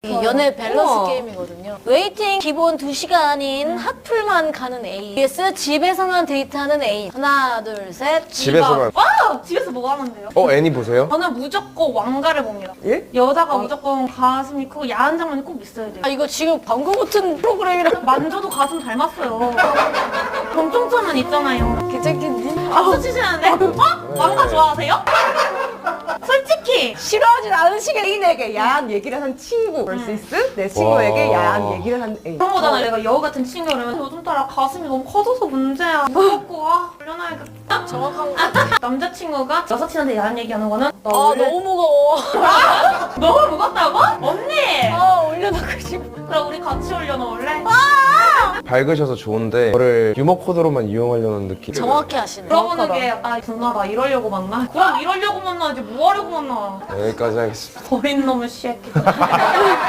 연애 밸런스 우와. 게임이거든요. 웨이팅 기본 2시간인 핫플만 가는 A vs 집에서만 데이트하는 A. 하나 둘 셋. 집에서만. 와! 집에서 뭐 하는데요? 애니 보세요? 저는 무조건 왕가를 봅니다. 예? 여자가 무조건 가슴이 크고 야한 장면이 꼭 있어야 돼요. 아 이거 지금 광고 같은 프로그램이라. 만져도 가슴 닮았어요. 검정천은 있잖아요. 괜찮겠니? 박수 치시는데? 왕가 좋아하세요? 솔직히 싫어하진 않으시겠. 애인에게 야한 얘기를 한 친구 vs 내 친구에게 와. 야한 얘기를 한 애인. 그런 거잖아. 내가 여우 같은 친구라면 요즘 따라 가슴이 너무 커져서 문제야. 무섭고 올려놔야겠다. 정확한 거. 남자친구가 여사친한테 야한 얘기하는 거는 너 아 원래 너무 무거워. 너무 무겁다고? 언니! 아 올려놓고 싶어. 그럼 우리 같이 올려놓을래? 밝으셔서 좋은데 저를 유머 코드로만 이용하려는 느낌. 정확히 하시네. 물어보는 게 아, 누나 나 이러려고 만나? 그럼 이러려고 만나지 뭐 하려고 만나? 여기까지 하겠습니다. 버린 놈의 새끼.